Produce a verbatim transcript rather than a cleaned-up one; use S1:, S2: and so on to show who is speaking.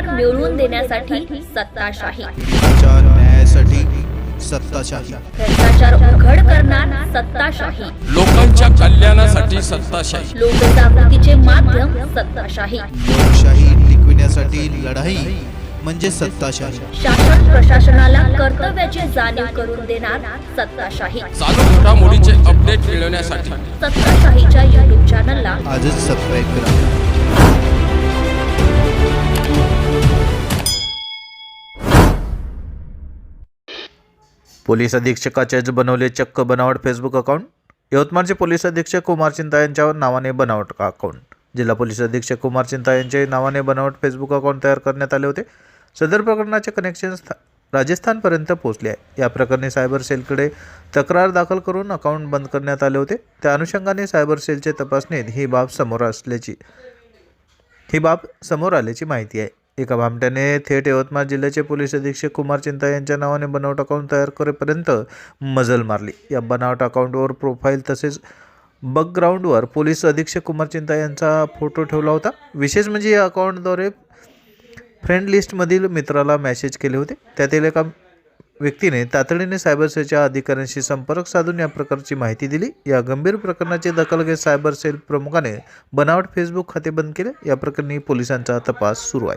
S1: अधिकार मिळवून देण्यासाठी सत्ताशाही,
S2: आचार न्यायासाठी सत्ताशाही,
S1: भ्रष्टाचार उघड करणार सत्ताशाही,
S3: लोकांच्या कल्याणासाठी सत्ताशाही,
S1: लोकजागृतीचे माध्यम सत्ताशाही,
S2: लोकशाही टिकविण्यासाठी लढाई म्हणजे सत्ताशाही,
S1: शासन प्रशासनाला कर्तव्याची जाणीव करून देणार सत्ताशाही.
S3: चालू घडामोडीचे अपडेट मिळवण्यासाठी
S1: सत्ताशाहीच्या युट्यूब चॅनलला
S2: आजच सबस्क्राईब करा. पोलीस अधीक्षकाचेच बनवले चक्क बनावट फेसबुक अकाउंट. यवतमाळचे पोलीस अधीक्षक कुमार चिंता यांच्या नावाने बनावट अकाउंट. जिल्हा पोलीस अधीक्षक कुमार चिंता यांच्या नावाने बनावट फेसबुक अकाउंट तयार करण्यात आले होते. सदर प्रकरणाचे कनेक्शन राजस्थानपर्यंत पोहोचले आहे. या प्रकरणी सायबर सेलकडे तक्रार दाखल करून अकाउंट बंद करण्यात आले होते. त्या अनुषंगाने सायबर सेलचे तपासणीत ही बाब समोर असल्याची ही बाब समोर आल्याची माहिती आहे. एका भामट्याने थेट यवतमाळ जिल्ह्याचे पोलीस अधीक्षक कुमार चिंता यांच्या नावाने बनावट अकाउंट तयार करेपर्यंत मजल मारली. या बनावट अकाउंटवर प्रोफाईल तसेच बॅकग्राऊंडवर पोलीस अधीक्षक कुमार चिंता यांचा फोटो ठेवला होता. विशेष म्हणजे या अकाउंटद्वारे फ्रेंड लिस्टमधील मित्राला मेसेज केले होते. त्यातील एका व्यक्तीने तातडीने सायबर सेलच्या अधिकाऱ्यांशी संपर्क साधून या प्रकारची माहिती दिली. या गंभीर प्रकरणाची दखल घेत सायबर सेल प्रमुखाने बनावट फेसबुक खाते बंद केले. या प्रकरणी पोलिसांचा तपास सुरू आहे.